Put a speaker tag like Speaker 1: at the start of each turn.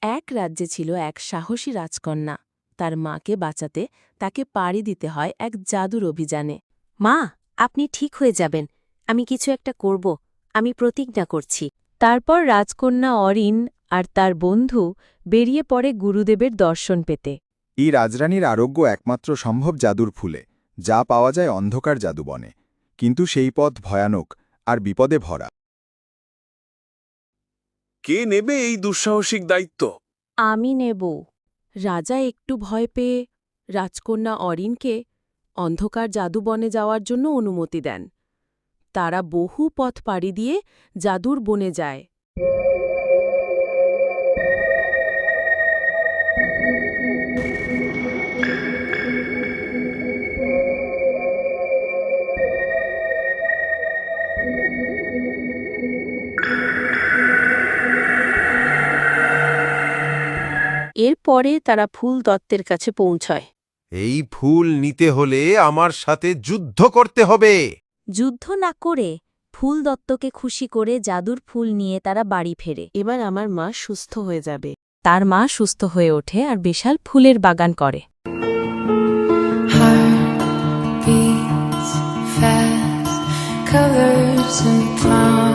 Speaker 1: এক রাজ্যে ছিল এক সাহসী রাজকন্যা। তার মাকে বাঁচাতে তাকে পাড়ি দিতে হয় এক জাদুর অভিযানে।
Speaker 2: মা, আপনি ঠিক হয়ে যাবেন। আমি কিছু একটা করব। আমি প্রতিজ্ঞা করছি।
Speaker 1: তারপর রাজকন্যা অরিন আর তার বন্ধু বেরিয়ে পড়ে গুরুদেবের দর্শন পেতে।
Speaker 3: এই রাজরানীর আরোগ্য একমাত্র সম্ভব জাদুর ফুলে, যা পাওয়া যায় অন্ধকার জাদুবনে। কিন্তু সেই পথ ভয়ানক আর বিপদে ভরা।
Speaker 4: কে নেবে এই দুঃসাহসিক দায়িত্ব?
Speaker 2: আমি নেব।
Speaker 1: রাজা একটু ভয় পেয়ে রাজকন্যা অরিনকে অন্ধকার জাদুবনে যাওয়ার জন্য অনুমতি দেন। তারা বহু পথ পাড়ি দিয়ে জাদুর বনে যায়।
Speaker 2: এরপরে তারা ফুল দত্তের কাছে পৌঁছয়।
Speaker 5: এই ফুল নিতে হলে আমার সাথে যুদ্ধ করতে হবে।
Speaker 2: যুদ্ধ না করে ফুল দত্তকে খুশি করে জাদুর ফুল নিয়ে তারা বাড়ি ফেরে।
Speaker 1: এবার আমার মা সুস্থ হয়ে যাবে।
Speaker 2: তার মা সুস্থ হয়ে ওঠে আর বিশাল ফুলের বাগান করে।